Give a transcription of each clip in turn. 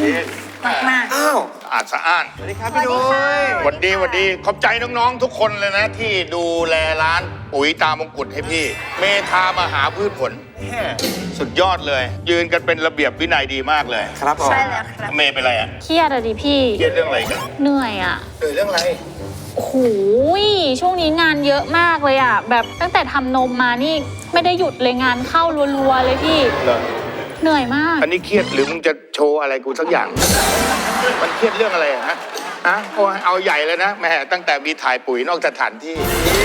มากอ้าวสะอาดสวัสดีครับพี่นุ้ยหวัดดีขอบใจน้องๆทุกคนเลยนะที่ดูแลร้านปุ๋ยตามงกุฎให้พี่ เมธามหาพืชผลสุดยอดเลย ยืนกันเป็นระเบียบวินัยดีมากเลยครับผมใช่แล้วครับเมย์เป็นไรอ่ะเครียดอะดิพี่เครียดเรื่องอะไรกันเหนื่อยอะเรื่องอะไรโอ้โหช่วงนี้งานเยอะมากเลยอะแบบตั้งแต่ทำนมมานี่ไม่ได้หยุดเลยงานเข้ารัวๆเลยพี่เหรอเหนื่อยมากอันนี้เครียดหรือมึงจะโชว์อะไรกูสักอย่าง มันเครียดเรื่องอะไรอะฮะโอ้ยเอาใหญ่เลยนะแม่ตั้งแต่มีถ่ายปุ๋ยนอกสถานที่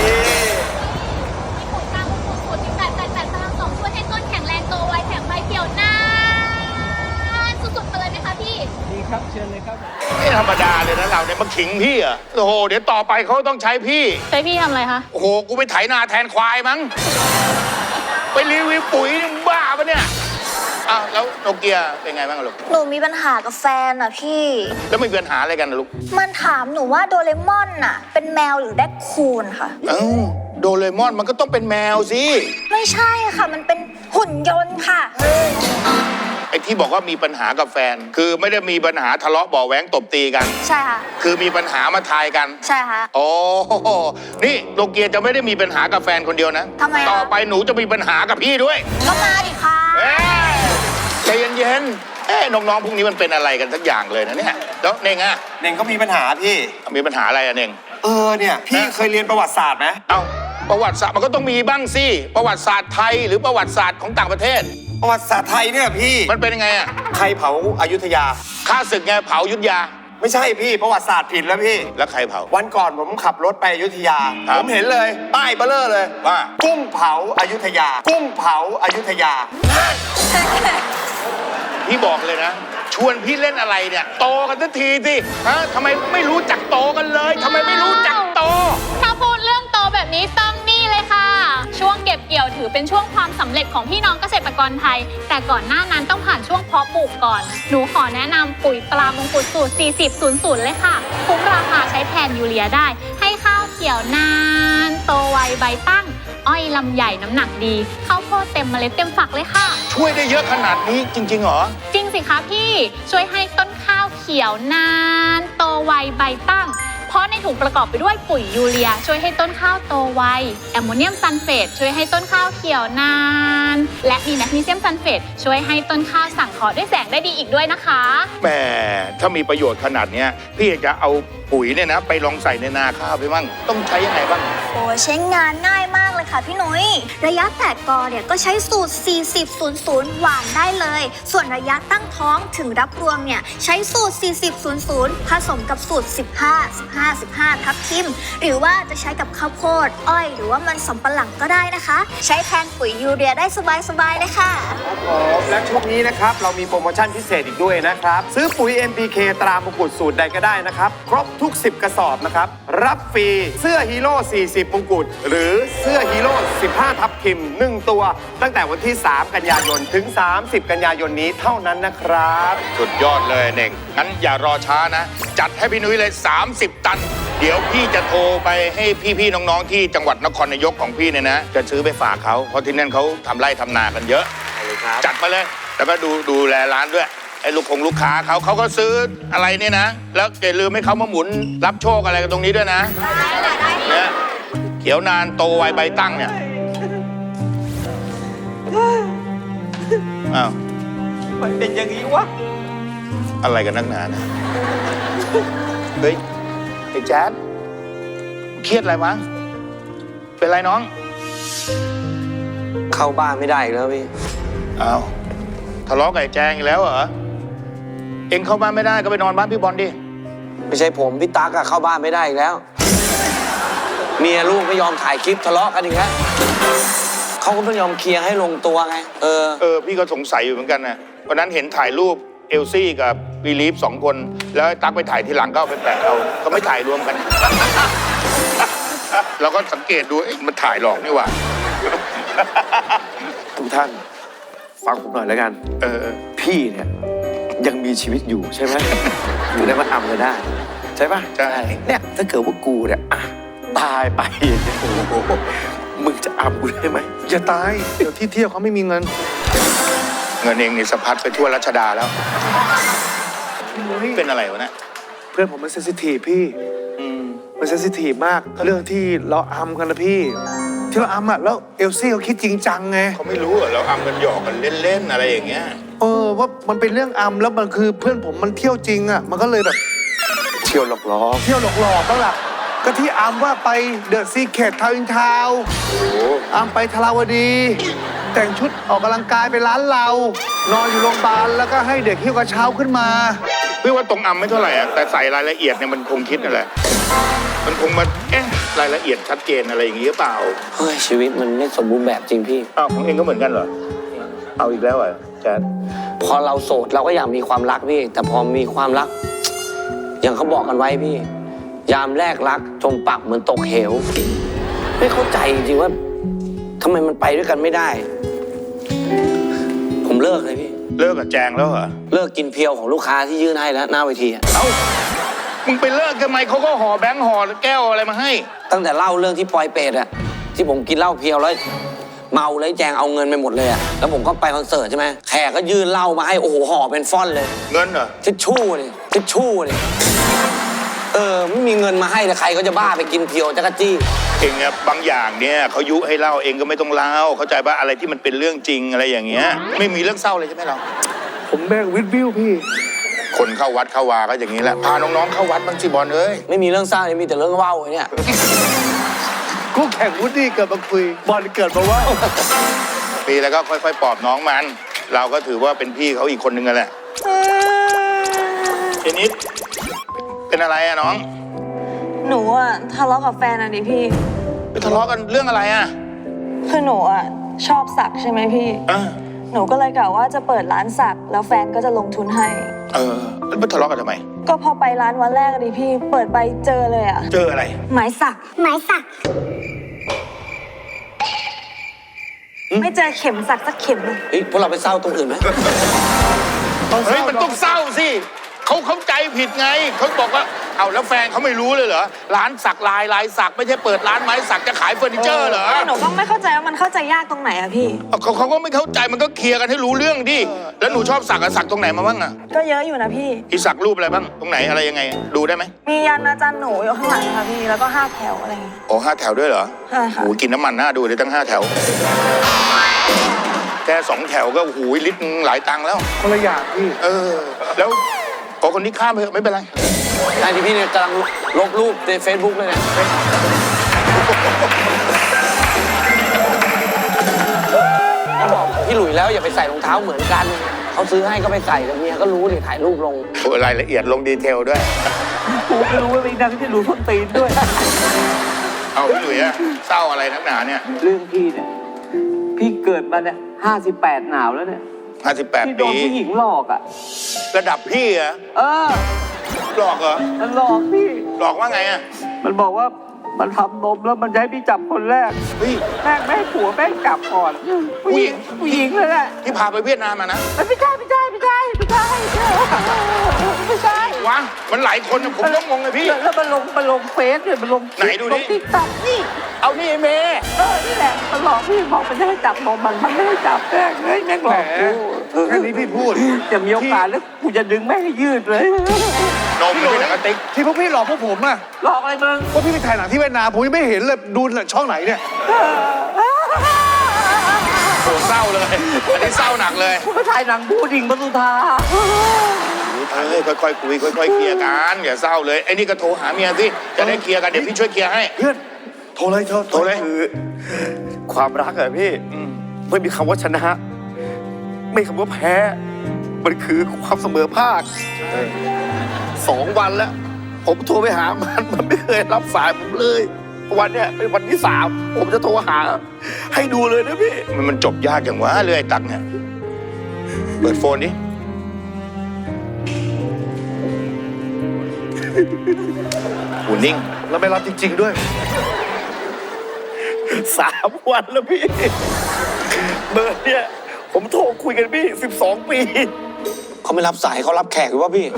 ปุ๋ยตามมงกุฎสูตร1888พลัง2ช่วยให้ต้นแข็งแรงโตไวแถมใบเขียวนานสุดๆไปเลยไหมคะพี่ไม่ธรรมดาเลยนะเราเนี่ยมาขิงพี่อ่ะโอ้โหเดี๋ยวต่อไปเขาต้องใช้พี่ใช้พี่ทำอะไรคะโอ้โหกูไปไถนาแทนควายมั้งไปรีวิวปุ๋ยนี่มึงบ้าปะเนี่ยอ้าวแล้วโนเกียเป็นไงบ้างอะลูกหนูมีปัญหากับแฟนอ่ะพี่แล้วมีปัญหาอะไรกันนะลูกมันถามหนูว่าโดเรมอนน่ะ เป็นแมวหรือแรคคูนค่ะเอ้าโดเรมอนมันก็ต้องเป็นแมวสิไม่ใช่ค่ะ มันเป็นหุ่นยนต์ค่ะไอ้ที่บอกว่ามีปัญหากับแฟน คือไม่ได้มีปัญหาทะเลาะเบาะแหวงตบตีกันใช่ค่ะคือมีปัญหามาทายกันใช่ค่ะโอ้นี่โนเกียจะไม่ได้มีปัญหากับแฟนคนเดียวนะทำไมอะต่อไปหนูจะมีปัญหากับพี่ด้วยก็มาดิค่ะเอ้ยใจเย็นๆน้องๆพวกนี้มันเป็นอะไรกันสักอย่างเลยนะเนี่ยแล้วเน่งอะเน่งก็มีปัญหาพี่มีปัญหาอะไรอะเน่งเนี่ยพี่เคยเรียนประวัติศาสตร์ไหมเอ้าประวัติศาสตร์มันก็ต้องมีบ้างสิประวัติศาสตร์ไทยหรือประวัติศาสตร์ของต่างประเทศประวัติศาสตร์ไทยเนี่ยพี่มันเป็นยังไงอะใครเผาอยุธยาข้าศึกไงเผาอยุธยาไม่ใช่พี่ประวัติศาสตร์ผิดแล้วพี่แล้วใครเผาวันก่อนผมขับรถไปอยุธยาครับผมเห็นเลยป้ายเบลเลอร์เลยว่ากุ้งเผาอยุธยา กุ้งเผาอยุธยาพี่บอกเลยนะ ชวนพี่เล่นอะไรเนี่ยโตกันสักทีสิฮะทำไมไม่รู้จักโตกันเลยทำไมไม่รู้จักโตถ้าพูดเรื่องโตแบบนี้ต้องนี่เลยค่ะ ช่วงเก็บเกี่ยวถือเป็นช่วงความสำเร็จของพี่น้องเกษตรกรไทย แต่ก่อนหน้านั้นต้องผ่านช่วงเพาะปลูกก่อน หนูขอแนะนำปุ๋ยปลามงกุฎสูตร 4000 เลยค่ะ คุ้มราคาใช้แทนยูเรียได้ ให้ข้าวเขียวนาน โตไวใบตั้ง อ้อยลำใหญ่น้ำหนักดีข้าวโพดเต็มเมล็ดเต็มฝักเลยค่ะช่วยได้เยอะขนาดนี้จริงๆเหรอจริงสิคะพี่ช่วยให้ต้นข้าวเขียวนาน โตไวใบตั้ง เพราะในถุงประกอบไปด้วยปุ๋ยยูเรีย ช่วยให้ต้นข้าวโตไวแอมโมเนียมซัลเฟตช่วยให้ต้นข้าวเขียวนาน และมีแมกนีเซียมซัลเฟตช่วยให้ต้นข้าวสังเคราะห์ด้วยแสงได้ดีอีกด้วยนะคะแหมถ้ามีประโยชน์ขนาดเนี้ยพี่อยากจะเอาปุ๋ยเนี่ยนะไปลองใส่ในนาข้าวไปบ้างต้องใช้ยังไงบ้างโอ้ใช้งานง่ายมากเลยค่ะพี่นุ้ยระยะแตกกอเนี่ยก็ใช้สูตร 4000 หวานได้เลย ส่วนระยะตั้งท้องถึงรับรวงเนี่ยใช้สูตร 4000 ผสมกับสูตร 15 ทับทิม หรือว่าจะใช้กับข้าวโพดอ้อยหรือว่ามันสำปะหลังก็ได้นะคะ ใช้แทนปุ๋ยยูเรียได้สบายๆเลยค่ะครับผมและช่วงนี้นะครับเรามีโปรโมชั่นพิเศษอีกด้วยนะครับ ซื้อปุ๋ย MPK ตรามงกุฎสูตรใดก็ได้นะครับครบทุก 10 กระสอบนะครับรับฟรีเสื้อฮีโร่40มงกุฎหรือเสื้อฮีโร่15 ทับทิม1 ตัว ตั้งแต่วันที่ 3 กันยายนถึง 30 กันยายนนี้เท่านั้นนะครับสุดยอดเลยเน่งงั้นอย่ารอช้านะ จัดให้พี่นุ้ยเลย 30 ตัน เดี๋ยวพี่จะโทรไปให้พี่ๆน้องๆที่จังหวัดนครนายกของพี่เนี่ยนะจะซื้อไปฝากเขาเพราะที่นั่นเขาทำไร่ทำนากันเยอะ จัดมาเลยแล้วก็ดูแลร้านด้วยไอ้ลูกค้าเขาก็ซื้ออะไรเนี่ยนะ แล้วอย่าลืมให้เขามาหมุนรับโชคอะไรกันตรงนี้ด้วยนะเนี่ยเขียวนานโตไวใบตั้งเนี่ยอ้าวมันเป็นอย่างนี้วะอะไรกันนักหนานะเฮ้ยไอ้แจ๊ดเครียดอะไรมั้งเป็นไรน้องเข้าบ้านไม่ได้อีกแล้วพี่อ้าวทะเลาะกับไอ้แจงอีกแล้วเหรอเอ็งเข้าบ้านไม่ได้ก็ไปนอนบ้านพี่บอลดิไม่ใช่ผมพี่ตั๊กอะเข้าบ้านไม่ได้อีกแล้ว เมียลูกไม่ยอมถ่ายคลิปทะเลาะกันอีกแล้วเขาก็ไม่ยอมเคลียร์ให้ลงตัวไงพี่ก็สงสัยอยู่เหมือนกันนะวันนั้นเห็นถ่ายรูปเอลซี่กับวีลีฟ2 คน แล้วตั๊กไปถ่ายทีหลังก็เอาไปแปะเอาก็ไม่ถ่ายรวมกัน เราก็สังเกตดูมันถ่ายหลอกนี่หว่าทุกท่านฟังผมหน่อยแล้วกัน พี่เนี่ยยังมีชีวิตอยู่ใช่ไหม อยู่ได้มาทำกันได้ ใช่ปะใช่เนี่ยถ้าเกิดว่ากูเนี่ยตายไปเนี่ยโอ้โหมึงจะอำกูได้ไหมอย่าตายเดี๋ยวที่เที่ยวเขาไม่มีเงิน เงินเองนี่สะพัดไปทั่วรัชดาแล้วพี่นุ้ยเป็นอะไรวะเนะเพื่อนผมมันเซนซิทีฟพี่อืมมันเซนซิทีฟมากเรื่องที่เราอัมกันนะพี่ ที่เราอัมอ่ะแล้วเอลซี่เขาคิดจริงจังไงเขาไม่รู้อะเราอำกันหยอกกันเล่นๆอะไรอย่างเงี้ยว่ามันเป็นเรื่องอัมแล้วมันคือเพื่อนผมมันเที่ยวจริงอ่ะมันก็เลยแบบเที่ยวหลอกล้อเที่ยวหลอกๆบ้างล่ะก็ที่อัมว่าไปเดอะซีเคททาวน์อินทาวน์โอ้โหอัมไปทราวดี แต่งชุดออกกำลังกายไปร้านเรา นอนอยู่โรงพยาบาลแล้วก็ให้เด็กหิ้วกระเช้าขึ้นมาพี่ว่าตรงอำไม่เท่าไหร่อะแต่ใส่รายละเอียดเนี่ยมันคงคิดนั่นแหละ มันคงมารายละเอียดชัดเจนอะไรอย่างงี้หรือเปล่าเฮ้ยชีวิตมันไม่สมบูรณ์แบบจริงพี่อ้าวของเองก็เหมือนกันเหรอ เอาอีกแล้วเหรอแจ๊ดพอเราโสดเราก็อยากมีความรักพี่ แต่พอมีความรัก อย่างเขาบอกกันไว้พี่ ยามแรกรักจมปักเหมือนตกเหว ไม่เข้าใจจริงๆว่าทำไมมันไปด้วยกันไม่ได้ ผมเลิกเลยพี่เลิกกับแจงแล้วเหรอเลิกกินเพียวของลูกค้าที่ยื่นให้แล้วหน้าเวทีอะเอ้า มึงไปเลิกกันไหมเขาก็ห่อแบงค์ห่อแก้วอะไรมาให้ตั้งแต่เล่าเรื่องที่ปอยเปรตอะที่ผมกินเหล้าเพียวแล้วเมาแล้วแจงเอาเงินไปหมดเลยอะแล้วผมก็ไปคอนเสิร์ตใช่ไหมแขกก็ยื่นเหล้ามาให้โอ้โหห่อเป็นฟ่อนเลยเงินเหรอทิชชู่เลยทิชชู่เลยไม่มีเงินมาให้แต่ใครก็จะบ้าไปกินเพียวจักรจี้เองอะบางอย่างเนี่ยเขายุให้เล่าเองก็ไม่ต้องเล่าเข้าใจป่ะอะไรที่มันเป็นเรื่องจริงอะไรอย่างเงี้ย ไม่มีเรื่องเศร้าเลยใช่ไหมเราผมแบกวิดวิวพี่คนเข้าวัดเข้าวาก็อย่างนี้แหละ พาน้องๆเข้าวัดบ้างสิบอลเอ้ยไม่มีเรื่องเศร้ามีแต่เรื่องเว้าเนี่ยกูแข่งวูดดี้เกิดมาคุย บอลเกิดมาว่าปีแล้วก็ค่อยๆปลอบน้องมัน เราก็ถือว่าเป็นพี่เขาอีกคนนึงกันแหละเจนิดเป็นอะไรอะน้องหนูอะทะเลาะกับแฟนอะดิพี่ไปทะเลาะกันเรื่องอะไรอะคือหนูอะชอบสักใช่ไหมพี่อ่ะหนูก็เลยกะว่าจะเปิดร้านสักแล้วแฟนก็จะลงทุนให้แล้วไปทะเลาะกันทำไมก็พอไปร้านวันแรกอะดิพี่ เปิดไปเจอเลยอะเจออะไรหมายสักไม้สักไม่เจอเข็มสักสักเข็มเลยเฮ้ยพวกเราไปเศร้าตรงอื่นไหมเฮ้ยมันต้องเศร้าสิเขาเข้าใจผิดไงเขาบอกว่าเอาแล้วแฟนเขาไม่รู้เลยเหรอร้านสักลายสักไม่ใช่เปิดร้านไม้สักจะขายเฟอร์นิเจอร์เหรอแต่หนูก็ไม่เข้าใจว่ามันเข้าใจยากตรงไหนอะพี่เขาก็ไม่เข้าใจมันก็เคลียร์กันให้รู้เรื่องดิแล้วหนูชอบสักอะสักตรงไหนมาบ้างอะก็เยอะอยู่นะพี่อีสักรูปอะไรบ้างตรงไหนอะไรยังไง ดูได้ไหมมียันอาจารย์หนูอยู่ข้างหลังค่ะพี่ แล้วก็5 แถวอะไรอย่างเงี้ยโอ้5 แถวด้วยเหรอใช่ค่ะโอ้กินน้ำมันหน้าดูเลยตั้ง5 แถวแค่2 แถวก็โอ้โหลิตรนึงหลายตังค์แล้วคนละอย่างพี่แล้วขอคนนี้ข้ามไปเถอะไม่เป็นไรไอ้ที่พี่เนี่ยกำลังลบรูปใน Facebook เลยเนี่ยเขาบอกพี่หลุยแล้วอย่าไปใส่รองเท้าเหมือนกันเขาซื้อให้ก็ไปใส่แต่เมียก็รู้ดิถ่ายรูปลงโอ้รายละเอียดลงดีเทลด้วยกูไม่รู้ว่าเป็นดังที่รู้คนตีนด้วยเอาพี่หลุยอะเศร้าอะไรนักหนาเนี่ยเรื่องพี่เนี่ย พี่เกิดมาเนี่ย58 หนาวแล้วเนี่ยพี่ 58 โดปีนผู้หญิงหลอกอ่ะระดับพี่อะเออหลอกเหรอมันหลอกพี่หลอกว่าไงอะมันบอกว่ามันทำนมแล้วมันจะให้พี่จับคนแรกเฮ้ยแม่งไม่ให้ผัวแม่งจับก่อน ผู้หญิงเลยแหละที่พาไปเวียดนามมานะไม่ใช่ไม่ใช่วะมันหลายคนนะผมก็งงเลยพี่แล้วมันลงเฟซเนี่ยมันลงไหนดูดิลงติ๊กต็อกนี่ เอานี่ไอ้เมย์นี่แหละมันหลอกพี่บอกมันจะให้จับนมมันไม่ให้จับแม่งหลอกกูแค่นี้พี่พูดจะมีโอกาสแล้วกูจะดึงแม่งให้ยืดเลยนมเลยกระติกที่พวกพี่หลอกพวกผมอะหลอกอะไรมึงพวกพี่ไปถ่ายหนังที่เวียดนามผมยังไม่เห็นเลยดูช่องไหนเนี่ยโหเศร้าเลยอันนี้เศร้าหนักเลยกูไปถ่ายหนังบูดิ่งปทุธาเฮ้ยค่อยๆคุยค่อยๆเคลียร์กันอย่าเศร้าเลยไอ้นี่ก็โทรหาเมียสิจะได้เคลียร์กันเดี๋ยวพี่ช่วยเคลียร์ให้เพื่อนโทรเลยโทรเลยคือความรักอะพี่ไม่มีคำว่าชนะ ไม่คำว่าแพ้ มันคือความเสมอภาค2 วันแล้ว ผมโทรไปหามันไม่เคยรับสายผมเลย วันเนี้ยเป็นวันที่ 3 ผมจะโทรหา ให้ดูเลยนะพี่มันจบยากอย่างวะเรื่อยตักเนี่ยเปิดโฟนดิหูนิ่งแล้วไม่รับจริง ๆด้วย 3 วันแล้วพี่ เบอร์เนี่ยผมโทรคุยกันพี่12 ปีเขาไม่รับสายเขารับแขกหรือว่าพี่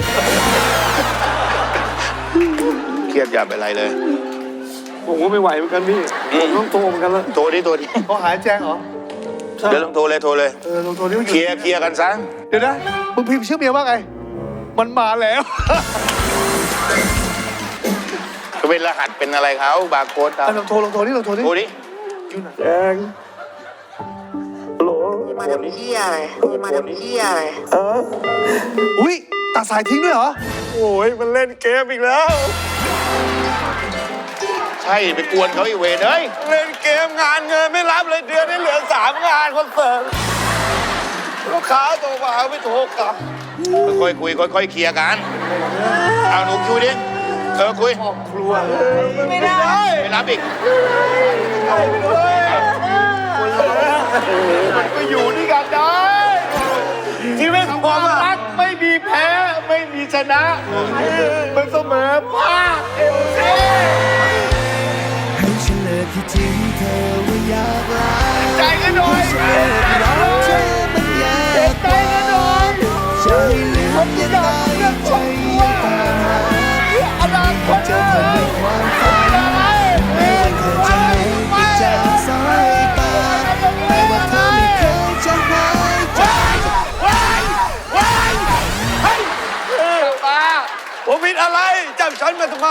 เครียดอย่าเป็นไรเลยผมก็ไม่ไหวเหมือนกันพี่ ผมต้องโทรเหมือนกันแล้วโทรดิเขาหายแจ้งเหรอเดี๋ยวลองโทรเลยลองโทรนี่ว่าอเคยู่ลียร์กันซะเดี๋ยวนะ มึงพิมพ์ชื่อเมียว่าไงมันมาแล้วเป็นรหัสเป็นอะไรเขาบาร์โค้ดครับลองโทรนี่ลองโทรนี่โทรดิแจงโหลมาทำเหี้ยอะไรมาทำเหี้ยอะไรอุ้ยตัดสายทิ้งด้วยเหรอ โอ้ยมันเล่นเกมอีกแล้วใช่ไปกวนเขาอีกเวรเอ้ยเล่นเกมงานเงินไม่รับเลยเดือนนี้เหลือ3 งานคอนเสิร์ตลูกค้าโทรมาไม่โทรกลับค่อยๆคุยค่อยๆเคลียร์กัน เอาหนูคุยดิคุยไม่ได้ไม่รับอีกมันก็อยู่ด้วยกันได้ชีวิตความรักไม่มีแพ้ไม่มีชนะ มันเสมอภาคเอลซีให้ฉันเลิกที่ทิ้งเธอว่าอยากลาใจกันหน่อยเธอมันอยากไปจะให้ลืมยังไงใจยังตามหาอนาคตเจอเธอในความฝันไม่ว่าเธอจะหายไปจากสายตาแต่ว่าเธอไม่เคยจะหายใจผมผิดอะไรจับฉันมาทำไม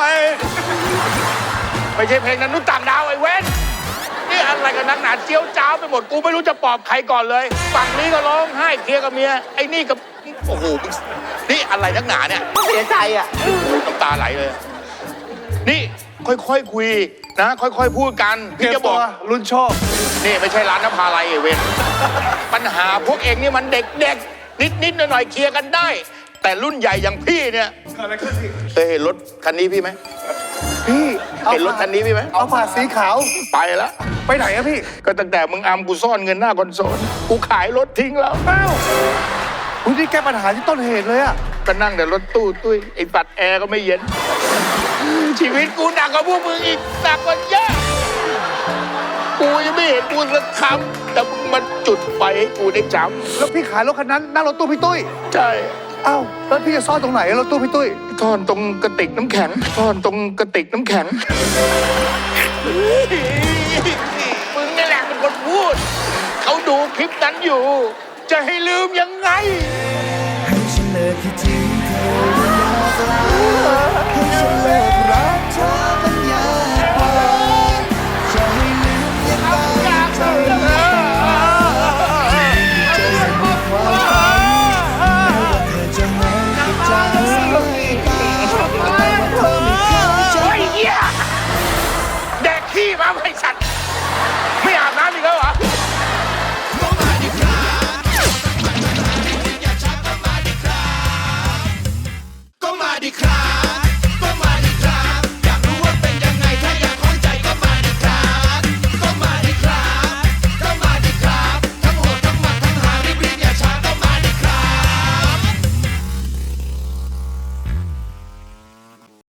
ไม่ใช่เพลงนั้นนุษย์ต่างดาวไอ้เว้นนี่อะไรกันนักหนาเจียวจ้าวไปหมดกูไม่รู้จะปลอบใครก่อนเลยฝั่งนี้ก็ร้องไห้เคลียร์กับเมียไอ้นี่กับโอ้โหนี่อะไรนักหนาเนี่ยเสียใจอ่ะน้ำตาไหลเลย นี่ค่อยๆคุยนะ ค่อยๆพูดกันพี่จะบอกรุ่นโชคนี่ไม่ใช่ร้านน้ำพาไรไอ้เว้นปัญหาพวกเองนี่มันเด็กๆนิดๆหน่อยๆเคลียร์กันได้ แต่รุ่นใหญ่อย่างพี่เนี่ยเคยเห็นรถคันนี้พี่ไหมพี่เห็นรถคันนี้พี่ไหมเอาผ่าสีขาวไปแล้วไปไหนอะพี่ก็ตั้งแต่มึงอัมกูซ่อนเงินหน้าคอนโซลกูขายรถทิ้งแล้วอ้าวคุณนี่แก้ปัญหาที่ต้นเหตุเลยอะก็นั่งแต่รถตู้ตุ้ยไอ้ปัดแอร์ก็ไม่เย็น ชีวิตกูหนักกว่าพวกมึงอีกหนักกว่าเยอะกูยังไม่เห็นกูสักคำแต่มึงมาจุดไฟให้กูได้จแล้วพี่ขายรถคันนั้นนั่งรถตู้พี่ตุ้ยำใช่อ้าวแล้วพี่จะซ่อนตรงไหนรถตู้พี่ตุ้ยซ่อนตรงกระติกน้ำแข็งซ่อนตรงกระติกน้ำแข็งมึงนี่แหละเป็นคนพูด เขาดูคลิปนั้นอยู่ จะให้ลืมยังไง